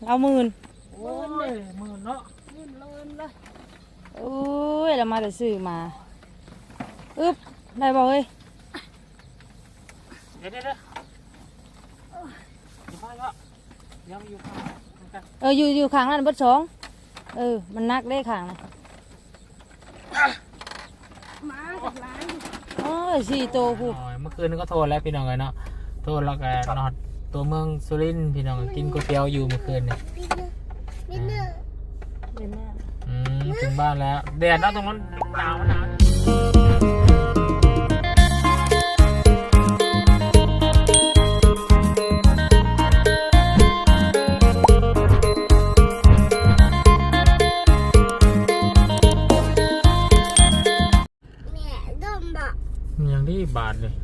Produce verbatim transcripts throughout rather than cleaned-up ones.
เอาหมื่นโอ้ยหมื่นเนาะหมื่นละหมื่นเลยโอ้ยเรามาแต่ซื้อมาอึ๊บได้บ่เฮ้ยเดี๋ยวเดี๋ยวเดี๋ยวอยู่ข้างเนาะยังอยู่ข้างกันเอออยู่อยู่ข้างนั้นเบิดสองเออมันนักได้ข้างนะมากับร้านโอ้ยสี่โตผู้เมื่อคืนก็โทรแล้วพี่น้องเลยเนาะโทรแล้วก็นอนตัวเมืองสุรินทร์พี่น้องกินก๋วยเตี๋ยวอยู่เมื่อคืนเนี่ยนิดนึงเดินหน้าอืมถึงบ้านแล้วแดดเนาะตรงนั้นหนาวหนาวแม่ดมบะยังดีบาทเลย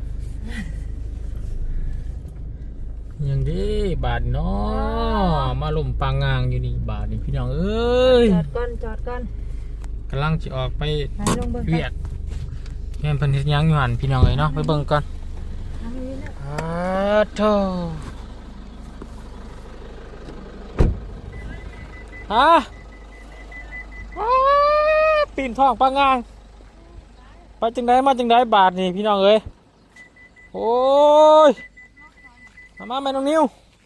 ยังดีบาทเนาะมาลมปางงางอยู่นี่บาทนี่พี่น้องเอ้ยจอดก่อนจอดก่อนกำลังจะออกไปไปลงเบิ่งเวียดแม่นเพิ่นเฮ็ดหยังอยู่หั่นพี่น้องเอ้ยเนาะไปเบิ่งก่อนทางนี้นะอ้าโธ่ฮะอ้าปีนท้องปางงางไปจังไดมาจังไดบาทนี่พี่น้องเอ้ยโอ้ยมามาแม่น้องนิว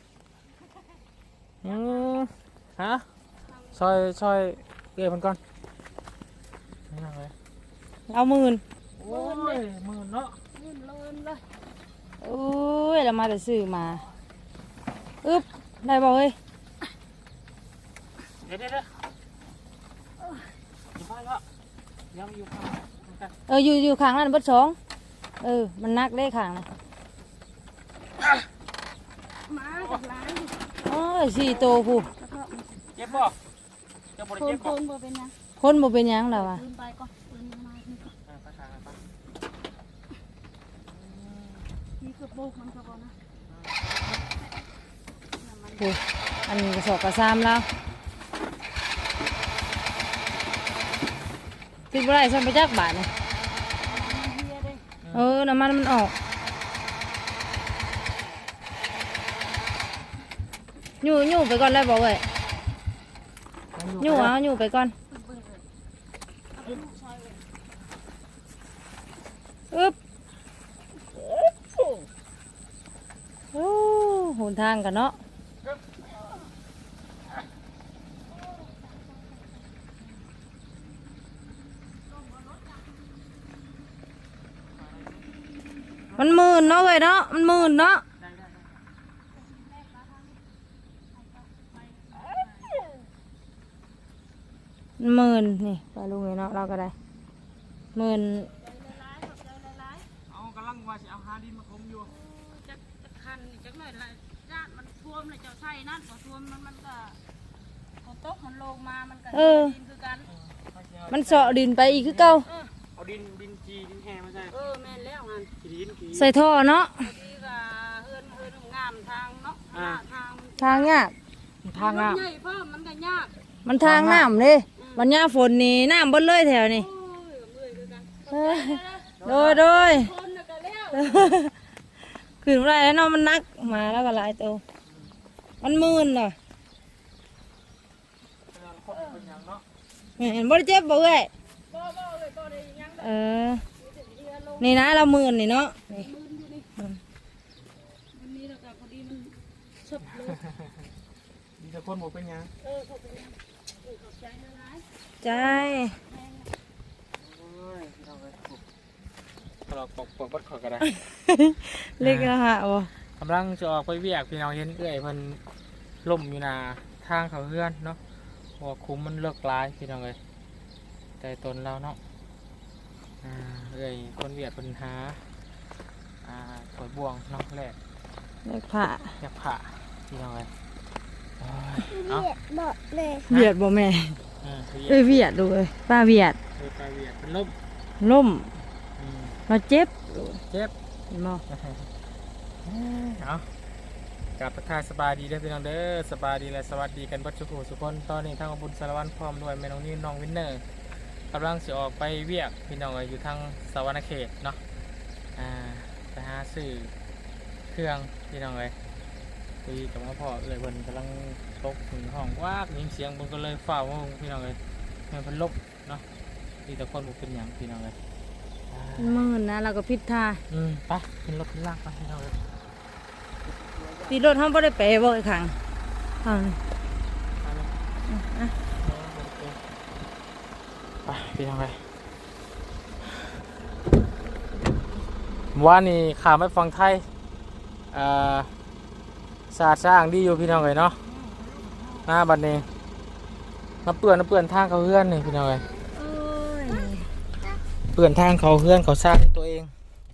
อืมฮะซอยซอยเอ้ยเพิ่นก่อนนี่น้องเอ้ยเอาหมื่นโอ้ยหมื่นเนาะหมื่นละหมื่นเลยโอ้ยเรามาแต่ซื้อมาอึ๊บได้บ่เฮ้ยเดี๋ยวเดี๋ยวเดี๋ยวอยู่ข้างเนาะยังอยู่ข้างกันเอออยู่อยู่ข้างนั้นเบิดสองเออมันนักได้ข้างนะมากับร้านโอ้ยสี่โตผู้แล้วก็เจ็บบ่เจ็บบ่โคได้นเจ็บโคบ่นบ่เป็นยังคนบ่เป็นหยังแล้วอ่ะปืนไปก่อนปืนมาที่ก่อนอ่าไปทางไปที่กระโปงมันก็บ่นะผู้อันนี้กระสอบกระซามแล้วคิดว่าไรสั่นไปจักบาทเนี่ยเฮียเลยเออน้ำมันมันออกอยู่อยู่ไปก่อนเลยบอกเว้ยอยู่เอาอยู่ไปก่อนอึ๊บโอ้หนทางกันเนาะมันหมื่นเนาะเว้ยเนาะมันหมื่นเนาะหมื่นนี่ปลาลุงเลยเนาะเราก็ได้หมื่นเอากำลังว่าสิเอาหาดินมาคมอยู่จักจักคันนี่จักหน่อยละญาติมันท่วมเลยเจ้าใส่นั่นพอท่วมมันมันก็พอตกมันลงมามันก็ดินคือกันมันเสาะดินไปอีกคือเก่าเอาดินดินจีดินแห้มาใส่เออแม่นแล้วงานขี้ดินขี้ใส่ท่อเนาะดีก็เฮือนเฮือนงามทางเนาะหน้าทางทางยากทางอ่ะใหญ่เพิ่มมันก็ยากมันทางน้ำเลยวันยาฝนนี่น้ำเบดเลยแถวนี่โอ้ยเมื่อยคือกันเอ้ยโดยโดยคนน่ะก็แล้วขึ้นไรแล้วเนาะมันนักมาแล้วก็หลายตัวมันมื่นเหรอเห็นบ่ได้เจ็บบ่เอ้ยบ่บ่เลยบ่ได้ยังเออนี่นะเรามื่นนี่เนาะนี่มืนอยู่นี่วันนี้เราก็พอดีมันชบเลยมีแต่คนหมดเป็นยังเออขอบคุณเออขอบใจนะนายใจโอ้ยพี่น้องเลยเราปกปกบัดขอก็ได้เล็กนะฮะโอ้กำลังจะออกไปเวียกพี่น้องเห็นเอ้ยเพิ่นล่มอยู่นาทางเขาเฮือนเนาะหัวคุ้มมันเลิกลายพี่น้องเลยแต่ตนเราเนาะอ่าเอ้ยคนเวียดเพิ่นหาอ่าถอยบ่วงเนาะแรกเล็กผ่าอยากผ่าพี่น้องเลยโอ้ยเอาบ่เลยเวียดบ่แม่เออเอ้ยเวียดดูเลยป้าเวียดเอ้ยไปเวียดเป็นล่มล่มอืมเราเจ็บเจ็บเห็นบ่เอากลับประทายสบายดีเด้อพี่น้องเด้อสบายดีและสวัสดีกันเบัดทุกผู้ทุกคนตอนนี้ทางอบุญสารวัตรพร้อมด้วยแม่น้องนี่น้องวินเนอร์กำลังจะออกไปเวียกพี่น้องอยู่ทางสวรรณเขตเนาะอ่าไปหาซื้อเครื่องพี่น้องเลยตีกับมาพ่อเลยเพิ่นกำลังตกถึงห้องวากยินเสียงเพิ่นก็เลยฝ้าวมาพี่น้องเลยแม่นเพิ่นลบเนาะมีแต่คนบ่เป็นหยังพี่น้องเลยมื่นนะเราก็พิดท่าอืมไปขึ้นรถขึ้นลากไปพี่น้องเลยตีรถห้องบ่ได้ไปบ่อีกครั้งเอาเลยไปเลยอ่ะไปพี่น้องเลยว่านี่ข่าวไม่ฟังไทยอ่าสะอาดสะอ้างดีอยู่พี่น้องเลยเนาะหน้าบัดนี้มาเปื่อนมาเปื่อนทางเขาเฮือนนี่พี่น้องเลยโอ้ยเปื่อนทางเขาเฮือนเขาสร้างตัวเอง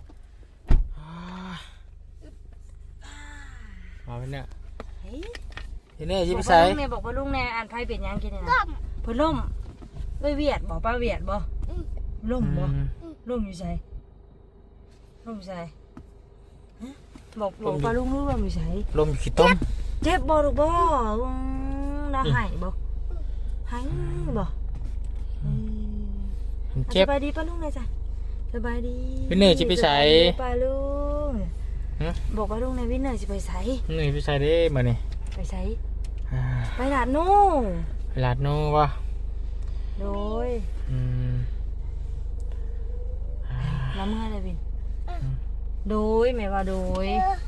มาเป็นเนี่ยเฮ้ยทีนี้ยิ้มบอกใส่ว่าลุงแน่บอกว่าลุงแน่อ่านไพ่เป็นหยังกินเนี่ยนะเพิ่นล่มไปเวียดบอกป้าเวียดบ่ล่มบ่ล่มอยู่ไสล่มอยู่ไสฮะบอกบอกป้าลุงรู้ล่มอยู่ไสลมอยู่ขี้ต้มเจ็บบ่ลูกบ่อืมน่าหายบ่หายบ่อืมมันเจ็บสบายดีป้าลุงเลยจ้ะสบายดีวินเนอร์สิไปไสสบายดีป้าลุงฮะบอกป้าลุงในวินเนอร์สิไปไสนี่พี่ชายได้มาเนี่ยไปไสไปหลาดนู่ลาดโน่วะโดยอืมละเมื่อเลยวินโดยแม่ว่าโดย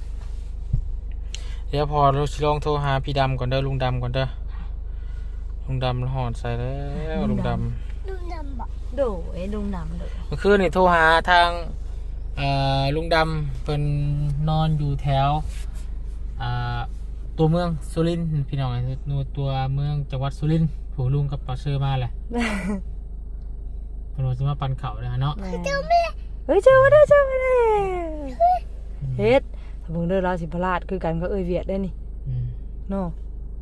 เดี๋ยวพอเราสิลองโทรหาพี่ดำก่อนเด้อลุงดำก่อนเด้อลุงดำหอดใส่แล้วลุงดดูนำบ่โดยลุงนำโดยำเมื่อคืนนี่โทรหาทางเอ่อลุงดำเป็นนอนอยู่แถวอ่าตัวเมืองสุรินทร์พี่น้องนูตัวเมืองจังหวัดสุรินทร์ผู้ลุงกับป้าเชื่อมาแหละเป็นว่าจะมาปันเขาเลยเนาะเจ้าแม่เฮ้ยเจ้ามาได้เจ้ามาได้เฮ็ดถ้าเบิ่งเด้อราสิพลาดคือกันก็เอ้ยเวียดได้นี่อืมเนาะ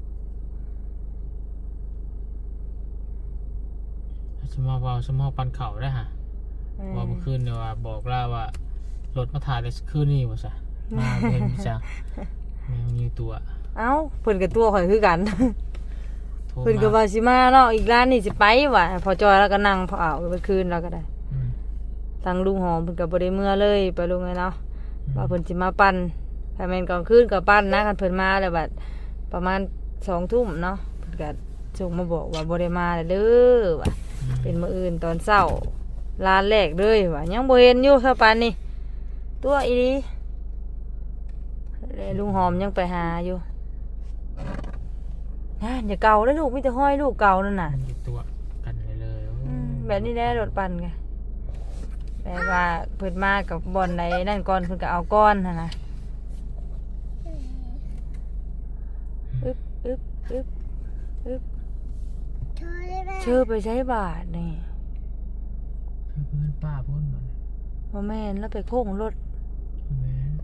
สมอว่าสมอปันเขาได้ฮะว่าเมื่อคืนเนี่ยว่าบอกล่าว่ารถมาถ่ายได้คืนนี้ว่าซะมาเห็นจังแมวมีตัวเอ้าเพิ่นกับตัวข่อยคือกันโทรเพิ่นก็มาว่าสิมาเนาะอีกร้านนี่สิไปว่ะพอจอยแล้วก็นั่งพอเอาไปคืนแล้วก็ได้อืมทางลุงหอมเพิ่นก็บ่ได้เมื่อเลยไปลุงไงเนาะว่าเพิ่นสิมาปั่นถ้าแม่นกลางคืนก็ปั่นนะคันเพิ่นมาแล้วบัดประมาณสองทุ่มเนาะเพิ่นก็ส่งมาบอกว่าบ่ได้มาแล้วเด้อว่ะเป็นมื้ออื่นตอนเช้าร้านแรกเลยว่ะยังบ่เห็นอยู่ซะปานนี้ตัวอีหลีแล้วลุงหอมยังไปหาอยู่นะอย่าเก่าแล้วลูกมีแต่ห้อยลูกเก่านั่นน่ะมันอยู่ตัวกันเลยเลยโอ้อืมแบบนี้แหละรถปั่นไงแบบว่าเพิ่นมากับบอลในนั่นก่อนเพิ่นก็เอาก้อนนะนะอึ๊บอึ๊บอึ๊บอึ๊บเธอได้ไหมเชื่อไปใช้บาทนี่คือเพื่อนป้าพ่นมันว่าแม่นแล้วไปโค้งรถแม่น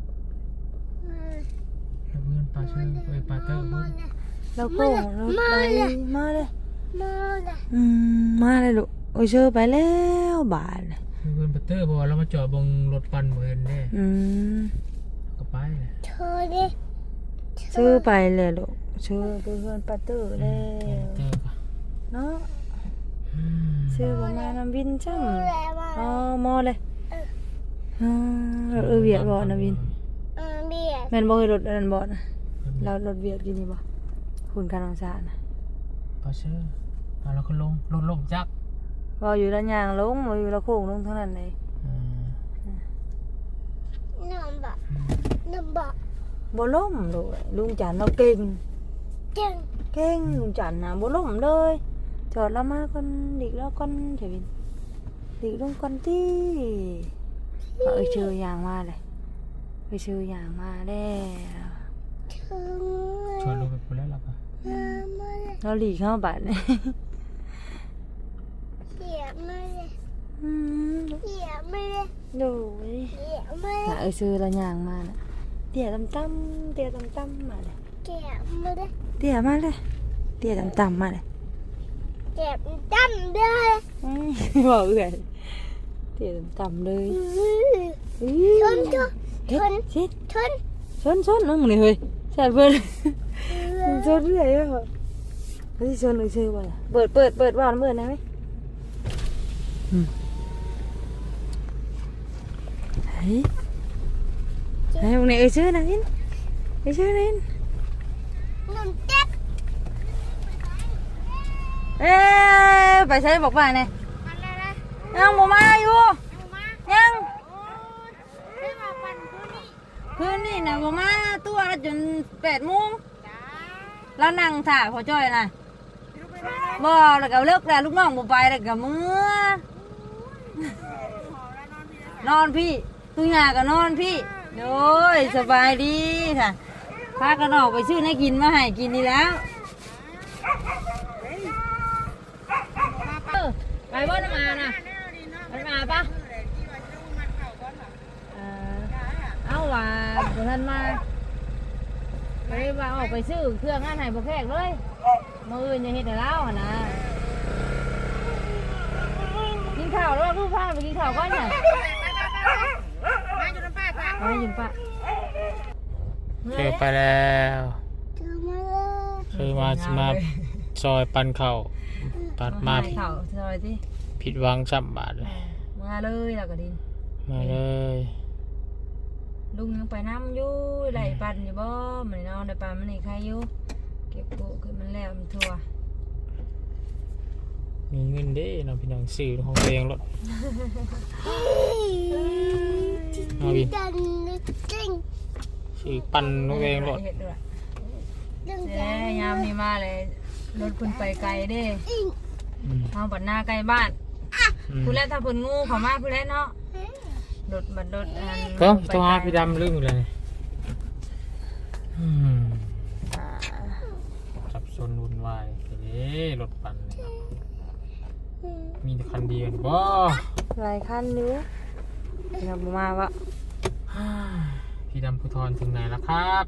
คือเพื่อนป้าเชื่อไปป้าเตอร์พ่นแล้วโค้งรถไปมาเลยมาเลยอืมมาเลยลูกโอ้ยเชื่อไปแล้วบาทน่ะคือเพื่อนป้าเตอร์พอเรามาจอดบงรถปั่นเหมือนแน่อืมก็ไปเลยเธอดิเชื่อไปเลยลูกเชื่อไปเพื่อนปาเตอร์แล้วเตอร์ก็เนาะอืมเชื่อประมาณน้ำวินจ้ำแล้วมาอ๋อมอเลยอ๋อรถเออเวียดบ่นะวินเออเบียดแม่นบ่ให้รถอันนั้นบ่นะแล้วรถเวียดกินนี่บ่คุณการองศานะป้าเชื่อเอาแล้วก็ลงลงลงจักบ่อยู่ด้านยางลงบ่อยู่ละโค้งลงเท่านั้นเลยอืมน้ำบ่น้ำบ่บ่ล้มเลยลุงจันทร์เราเก่งเก่งเก่งลุงจันทร์น่ะบ่ล้มเลยจอดแล้วมาก่อนดิกแล้วก่อนเถอะวินดิกลงก่อนติเอาเอ้ยชื่อยางมาเลยเอ้ยชื่อยางมาแล้วเธอชวนลงไปพูดแล้วหรอปะมาเลยเราหลีกเข้าบัดนี่เสียมาเลยอืมเสียมาเลยโดยเสียมาเลน่ะยเอ้ยชื่อละยางมาน่ะเตี้ยต่ำๆเตี้ยต่ำๆมาเลยเก็บมาเลยเตี้ยมาเลยเตี้ยต่ำๆมาเลยเก็บจำได้อืมบอกเอื่อยเตี้ยต่ำๆเลยอื้ชอนชนเฮ็ดชิดชนชนชนน้องนี่เฮ้ยแซ่บเพิ่นชนเรื่อยเด้อเฮ้ยชนอีกชื่อบ่ล่ะเปิดเปิดเปิดว่านเปิดได้ไหมอืมเฮ้ยเฮ้ยมึงนี่เอ้ยชื่อนะวินไม่ใช่ลินหนึ่งเจ็ดเอ๊ะไปใช้บอกว่าไงอะไรนะยังบ่มาอยู่เอามายังโอ้ยให้มาปั่นคืนนี้คืนนี้นะบ่มาตัวละจนแปดโมงจ้าแล้วนั่งถ่าพอจ้อยน่ะอยู่ไปได้บ่แล้วก็เลิกแล้วลูกน้องบ่ไปแล้วก็มื้อหอแล้วนอนพี่ได้นอนพี่ตุยาก็นอนพี่โดยสบายดีค่ะพากันออกไปซื้อให้กินมาให้กินนี่แล้วเออไปบ่น้ำอาน่ะไปมาปะเออเอาว่าบ่ทันมาไปว่าออกไปซื้อเครื่องงานให้บ่แขกเลยมื้ออื่นอย่าเฮ็ดให้เราหั่นนะกินข้าวแล้วลูกพาไปกินข้าวก่อนน่ะมาอยู่น้ำป้าจ้ะเอาให้ยินปะเจอไปแล้วถือมาเลยคือมามาซอยปันเข่าปัดมาให้ข้าวซอยสิผิดหวังซ้ำบาทเลยมาเลยแล้วก็ดินมาเลยลุงยังไปน้ำอยู่ไหลปันอยู่บ่มันนอนได้ปันมันนี่ใครอยู่เก็บโกขึ้นมันแล้วมันทั่วมีเงินเด้เนาะพี่น้องซื้อของตัวเองรถเอาบินดันจริงซื้อปันของตัวเองรถเฮ็ดด้วยดังเด้ยามนี้มาเลยรถคุณไปไกลเด้อิงอืมเอาบัดหน้าใกล้บ้านอืมผู้แรกถ้าเพิ่นงูเข้ามาผู้แรกเนาะรถบัดรถอันก็ต้องหาพี่ดำลืมเลยอืมอ่าสับสนวุ่นวายเด้รถปั่นเลยครับมีแต่คันเดียวนี่บ่หลายคันอยู่ยังบ่มาวะพี่ดำภูทรถึงไหนแล้วครับ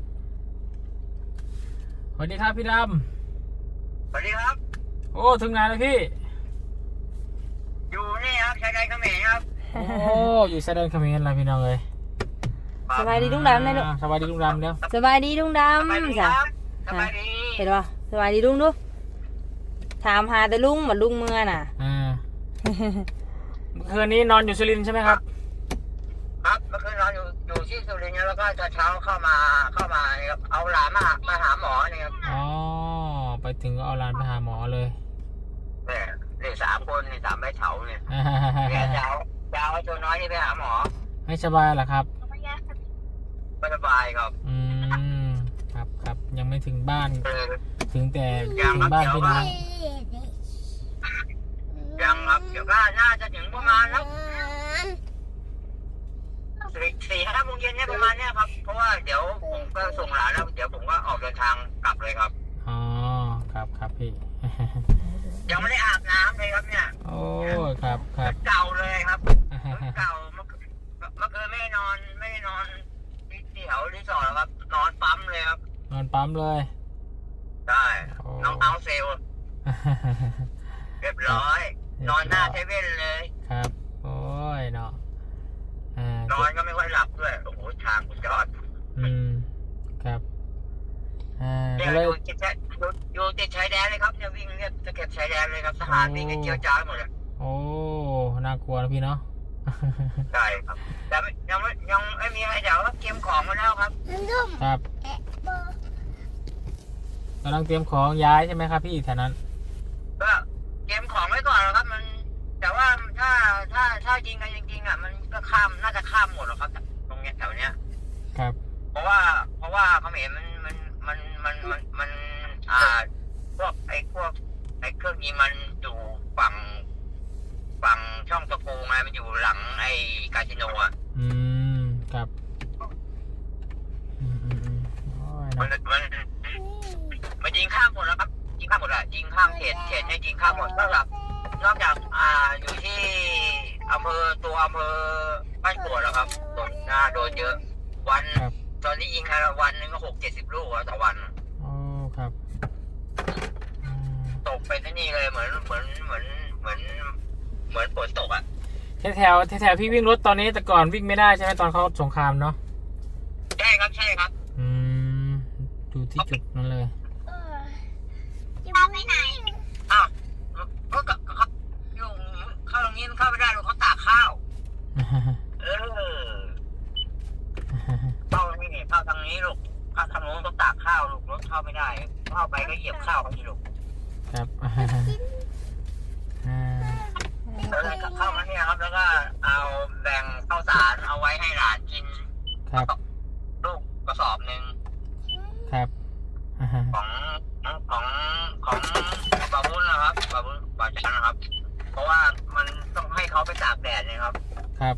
สวัสดีครับพี่ดสวัสดีครับำโอ้ถึงไหนแล้วพี่อยู่นี่ครับชายแดนเขมรครับโอ้อยู่ชายแดนเขมรอะไรพี่น้องเลยสบายดีลุงดำเลยลูกอ่าสบายดีลุงดำเด้อสบายดีลุงดสบายดีำคจ้ะรับสบายดีเห็นป่ะสบายดีลุงดูถามหาแต่ลุงเหมือนลุงเมื่อน่ะอ่าเมื่อคืนนี้นอนอยู่สุรินทร์ใช่ไหมครับครับเมื่อคืนเราอยู่อยู่ที่สุรินทร์แล้วก็เช้าๆเข้ามาเข้ามาเนี่ยครับเอาหลานมามาหาหมอเนี่ยครับอ๋อไปถึงก็เอาหลานไปหาหมอเลยเนี่ยเด็กสามคนเนี่ยสามใบเฉาเนี่ยเนี่ยจะเอาจะเอาไอ้ตัวน้อยนี่ไปหาหมอไม่สบายเหรอครับไม่สบายครับอืมครับครับยังไม่ถึงบ้านเออถึงแต่ยังถึครังบบ้านเดี๋ยวพี่น้องยังครับเดี๋ยวก็น่าจะถึงประมาณแล้วสี่สี่ห้าโมงเย็นเนี่ยประมาณเนี้ยครับเพราะว่าเดี๋ยวผมก็ส่งหลานแล้วเดี๋ยวผมก็ออกเดินทางกลับเลยครับอ๋อครับครับพี่ยังไม่ได้อาบน้ำเลยครับเนี่ยโอ้ครับครับเก่าเลยครับ เก่าเมื่อคืนเมื่อคืนไม่ได้นอนไม่ได้นอนที่แถวรีสอร์ทหรอกครับนอนปั๊มเลยครับนอนปั๊มเลยได้โอ้น้องเอาเซลลเรียบร้อย นอนหน้าเซเว่นเลยครับ โอ้ยเนาะอ่านอนก็ไม่ค่อยหลับด้วยโอ้โหทางคุณจอดอืมครับอ่าเนี่ก็ยเลยอยู่ติดชายอยู่อยู่ติดชายแดนเลยครับเนี่ยวิ่งเนี่ยจะเก็บชายแดนเลยครับทหารวิ่งกันเจียวจ้าหมดเลยโอ้น่ากลัวนะพี่เนาะใช่ครับแต่ไม่ยังไม่ยังไม่มีใครเดี๋ยวเตรียมของมาแล้วครับครับกำลังเตรียมของย้ายใช่ไหมครับพี่แถวนั้นก็เตรียมของไว้ก่อนนะครับ มัน แต่ว่าถ้าถ้าถ้ายิงกันจริงๆอ่ะมันก็ข้ามน่าจะข้ามหมดหรอกครับ ตรงเนี้ยแถวเนี้ยครับเพราะว่าเพราะว่าเขมรมันมันมันมันมันมันอ่าพวกไอ้พวกไอ้เครื่องยิงมันอยู่ฝั่งฝั่งช่องตะปูไงมันอยู่หลังไอ้คาสิโนอ่ะอืมครับอืมอืมอืมโอ้ยมันเนาะมันมันยิงข้ามหมดแล้วครับยิงข้ามหมดอะยิงข้ามเขตเขตเนี่ยยิงข้ามหมดนอกจากนอกจากอ่าอยู่ที่อำเภอตัวอำเภอบ้านกรวดแล้วครับโดนหน้าโดนเยอะ วันครับตอนนี้ยิงกันวันหนึงก็หกเจ็ดสิบลูกอะต่อวันโอ้ครับอืมตกไปที่นี่เลยเหมือนเหมือนเหมือนเหมือนเหมือนฝนตกอ่ะแถวแถวแถวพี่วิ่งรถตอนนี้แต่ก่อนวิ่งไม่ได้ใช่ไหมตอนเขาสงครามเนาะใช่ครับใช่ครับอืมดูที่จุดนั้นเลยจะไปไหนอ้าวก็ก็ก็ลุงเข้าตรงนี้มันเข้าไม่ได้ลุงเขาตากข้าว เออเข้าตรงนี้นี่เข้าทางนี้ลูกเข้าทางโน้นเข้าไปก็เหยียบข้าวเขาที่ลูกครับอ่าอ่าแล้วก็เข้ามาเนี่ยครับแล้วก็เอาแบ่งข้าวสารเอาไว้ให้หลานกินครับลูกกระสอบหนึ่งครับอ่าของของของบาบุญนะครับบาบุญบาจันนะครับ เพราะว่ามันต้องให้เขาไปตากแดดนะครับครับ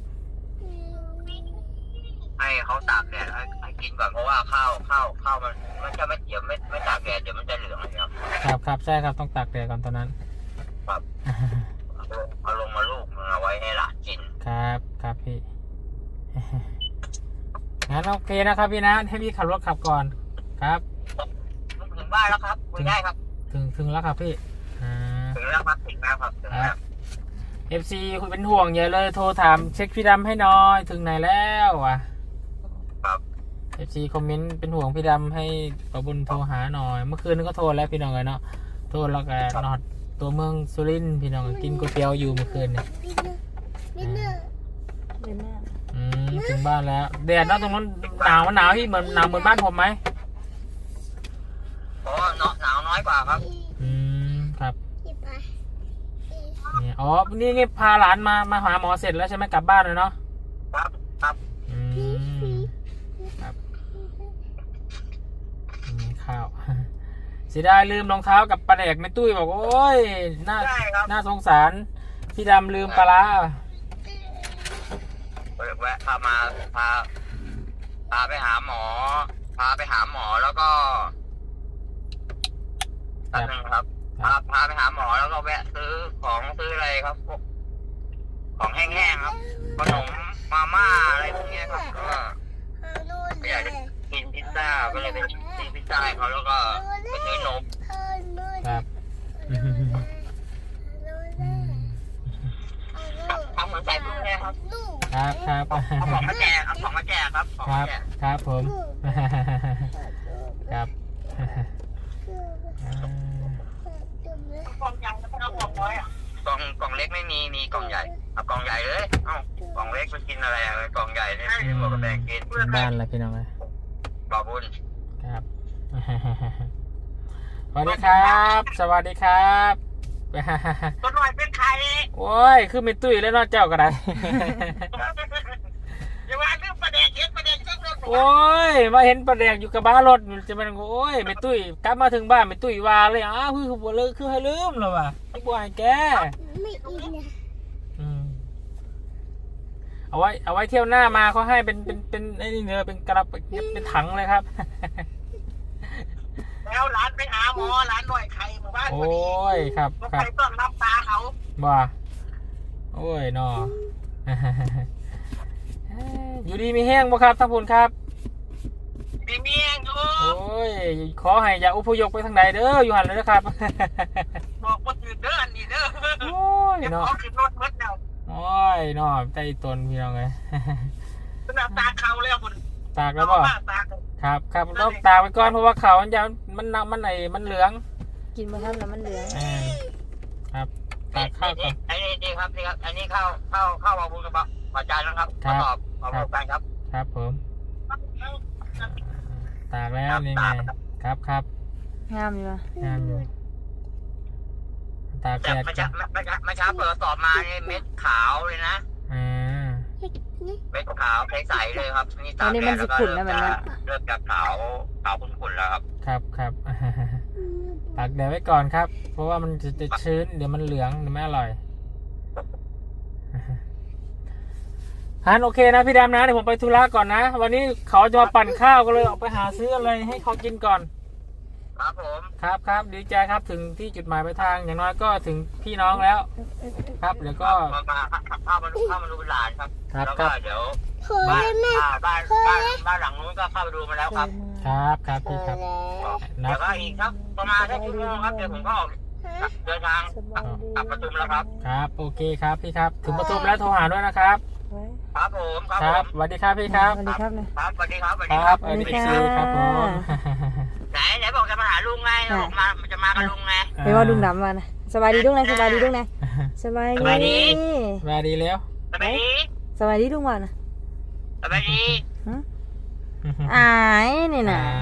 ให้เขาตากแดดให้ให้กินก่อนเพราะว่าข้าวข้าวข้าวมันมันจะไม่เดี๋ยวไม่ไม่ตากแดดเดี๋ยวมันจะเหลืองนะครับครับครับใช่ครับต้องตากแดดก่อนตอนนั้นครับเอาลงมาลูกมึงเอาไว้ให้หลานกินครับครับพี่ งั้นโอเคนะครับพี่นะให้พี่ขับรถขับก่อนครับถึงบ้านแล้วครับคุยได้ครับถึงถึงแล้วครับพี่อ่าถึงแล้วครับถึงแล้วครับถึงแล้วเอฟซีคุณเป็นห่วงเยอะเลยโทรถามเช็คพี่ดำให้หน้อยถึงไหนแล้ววะครับเอฟซีคอมเมนต์เป็นห่วงพี่ดำให้ประบุญโทรหาหน่อย เมื่อคืนก็โทรแล้วพี่น้องเลยเนาะโทรแล้วก็นอดตัวเมืองสุรินทร์พี่น้องกินก๋วยเตี๋ยวอยู่เมื่อคืนเนี่ยเดินหน้าอืมถึงบ้านแล้วแดดเนาะตรงนั้นหนาวมันหนาวพี่เหมือนหนาวเหมือนบ้านผมไหมเพราะว่าเนาะหนาวน้อยกว่าครับอืมครับเนี่ยอ๋อนี่นี่พาหลานมามาหาหมอเสร็จแล้วใช่ไหมกลับบ้านเลยเนาะครับครับอืมครับนี่ข้าว เสียดายลืมรองเท้ากับปลาแดกแม่ตุ้ยบอกโอ้ยน่าใช่ครับน่าสงสารพี่ดำลืมปลาร้าแวะพามาพาพาไปหาหมอ พาไปหาหมอแล้วก็แป๊บนึงครับ พาพาไปหาหมอแล้วก็แวะซื้อของซื้ออะไรครับพวกของแห้งๆครับขนมมาม่าอะไรพวกเนี้ยครับก็อยากจะกินพิซซ่าก็เลยไปซื้อพิซซ่าให้เขาแล้วก็ไปซื้อนมครับทำเหมือนใส่พวกนี้ครับครับครับเอาของมาแจกเอาของมาแจกครับของครัมาบแจกครับผม ครับกล่องใหญ่แล้วไม่เอากล่องน้อยอ่ะกล่องกล่องเล็กไม่มีมีกล่องใหญ่เอากล่องใหญ่เลยเอ้ากล่องเล็กไปกินอะไรอ่ะกล่องใหญ่เนี่ยไม่บอกกับแบงกินถึงบ้านแล้วพี่น้องเลยบ่าวบุญครับ สวัสดีครับ สวัสดีครับตัวหน่อยเป็นใครโอ้ยคือไม่ตุ้ยแล้วเนอกเจ้าก็ได้อย่าว่าเรื่องประเด็นเยอะประเด็นเยอะเรื่องโอ้ยมาเห็นปลาแดกอยู่กับบ้านรถจะมันโอ้ยไม่ตุ้ยกลับมาถึงบ้านไม่ตุ้ยว่าเลยอ้าวคือคือบ่เลยคือให้ลืมแล้วว่ะไอ้บัวไอ้แกไม่อินนะอืมเอาไว้เอาไว้เที่ยวหน้ามาเขาให้เป็นเป็นเป็นไอ้นี่เนื้อเป็นกระเป็นเป็นถังเลยครับแล้วร้านไปหาหมอร้านหน่อยใครหมู่บ้านโอ้ยครับก็คใครัรบต้องรับตาเขาบ่าโอ้ยนอ อยู่ดีมีแห้งบ่ครับท่านผู้ครับดีเมียงอยู่โอ้ยขอให้อย่าอุปยกไปทางใดเด้ออยู่หันเลยนะครับบอกว่าตื่นเด้อนี่เด้อโอ้ยเดี๋ยวเนาะเขาขึ้นรถเมื่อเดียวโอ้ยเนาะใจตนพี่น้องเลยสนับตาเขาแล้วคุณตากแล้วบ่ตาครับครับต้องตากไปก่อนเพราะว่าเขามันจะมันน้ำมันไหนมันเหลืองกินมาทันแล้วมันเหลืองอ่าครับตากข้าวก่อนอันนี้ดีครับนี่ครับ อันนี้เข้าเข้าเข้ามาบุญกับปะจานแล้วครับมาตอบมาบอกกันครับครับผมตากแล้วนี่ไงครับครับงามอยู่ปะงามอยู่ตากแต่แดดมาจ้ะช้ามาช้ามาช้าเปิดสอบมาเนี่ยเม็ดขาวเลยนะอ่าเม็ดขาวใสๆเลยครับนี่ตากแดดแล้วก็เริ่มจะเริ่มจะขาวขาวขุ่นๆแล้วครับครับครับ ตากแดดไว้ก่อนครับ เพราะว่ามันจะจะชื้นเดี๋ยวมันเหลืองเดี๋ยวไม่อร่อยฮันโอเคนะพี่ดำนะเดี๋ยวผมไปธุระก่อนนะ วันนี้เขาจะมาปั่นข้าวก็เลยออกไปหาซื้ออะไรให้เขากินก่อนครับผมครับครับดีใจครับถึงที่จุดหมายปลายทางอย่างน้อยก็ถึงพี่น้องแล้ว ครับเดี๋ยวก็มามาเข้ามาดูเข้ามาดูหลานครับครับแล้วคก็รับเดี๋ยวบ้านบ้านบ้านบ้านหลังนู้นก็เข้าไปดูมาแล้วครับครับครับพี่ครับเดี๋ยวก็อีกครับประมาณแค่ชั่วโมงครับเดี๋ยวผมก็ออกเดินทางกลับประชุมแล้วครับครับโอเคครับพี่ครับถึงประตูแล้วโทรหาด้วยนะครับไว้ครับผมครับคผรับมสวัสดีครับพี่ครับสวัสดีครับนะครับสวัสดีครับสวัสคดีครัรับบ สวัสดีครับผมไหนไหนบอกจะมาหาลุงไงบอกมาจะมากับลุงไงไปว่าดุงดำมานะสบายดีดุงนะสบายดีดุงนะสบายสบายดีดีสวัสดีแล้วสบายดีสบายดีดุงว่านะสบายดีอายนี่นะอาย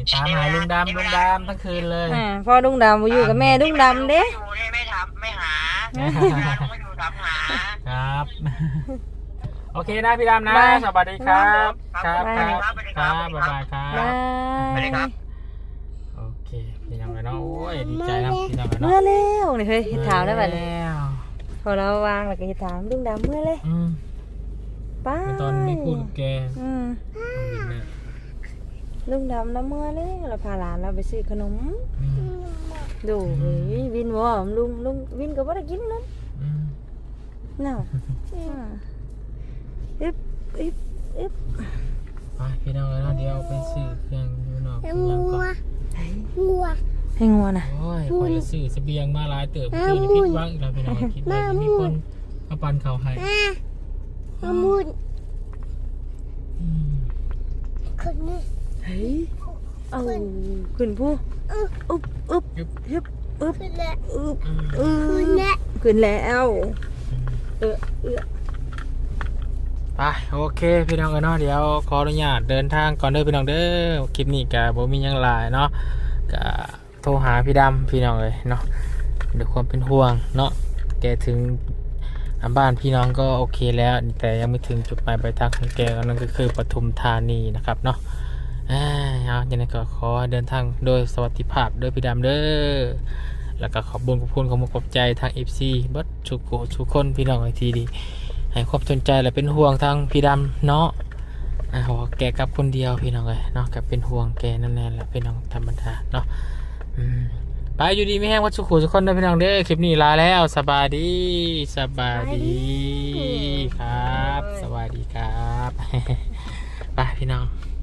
ตามหาลุงดำลุงดำทั้งคืนเลยอ่าพ่อลุงดำบ่อยู่กับแม่ลุงดำเด้ไม่อยู่นี่ไม่ทำไม่หาไม่อยู่ทำหาครับ โอเคนะพี่ดำนะสวัสดีครับครับครับครับบ๊ายบายครับาบสวัสดีครับยโอเคพี่น้องเนาะโอ้ยดีใจนะพี่น้องเมื่เนาะอแล้วนี่เฮ้ยเฮ็ดถามได้บัดนี้แล้วพอเราวางแล้วก็เฮ็ดถามลุงดำเมื่อเลยอืมไป้าตอนไม่พูดกับแกอืมน้องวินเนี่ยลุงดำแล้วเมื่อเลยเราพาหลานเราไปซื้อขนมอืมดูเฮ้ยวินว่าลุงลุงวินก็บ่ได้กินนมอืมน่ะอ่าอึ๊บอึ๊บอึ๊บไปพี่น้องเนาะเดี๋ยวไปซื้อเครื่องอยู่นอกเครื่องก่อนให้งัวน่ะโอ้ยคนละซื้อเสบียงมาหลายเติบคือพิษวังเราพี่น้องคิดว่าจะมีคนมาปันเขาให้มามุดอืมคนนี้เฮ้ยเอาขึ้นผู้อึ๊บอึ๊บยึบอึ๊บอึ๊บขึ้นแล้วอึ๊บอืมอึ๊บขึ้นแล้วขึ้นแล้วเออเออไปโอเคพี่น้องเนาะเดี๋ยวขออนุญาตเดินทางก่อนเด้อพี่น้องเด้อคลิปนี้กะบ่มีหยังหลายเนาะกะโทรหาพี่ดำพี่น้องเลยเนาะด้วยความเป็นห่วงเนาะแกถึงบ้านพี่น้องก็โอเคแล้วแต่ยังไม่ถึงจุดหมายปลายทางของแกก็นั่นก็คือปทุมธานีนะครับเนาะอ่าเอาอย่างนั้นก็ขอเดินทางโดยสวัสดิภาพโดยพี่ดำเด้อแล้วก็ขอบคุญขอบคุณขอบคุณขอบใจทาง เอฟ ซี เบิดทุกโกทุกคนพี่น้องไอทีดีให้ความสนใจและเป็นห่วงทางพี่ดำเนาะอ่าว่าแกกลับคนเดียวพี่น้องเลยเนาะกับเป็นห่วงแกนั่นแหละแหละพี่น้องธรรมดาเนาะอืมไปอยู่ดีไม่แห้งวัดสุขุทุกคนเด้อพี่น้องเด้อคลิปนี้ลาแล้วสบายดีสบายดีครับสวัสดีครับ ไปพี่น้อง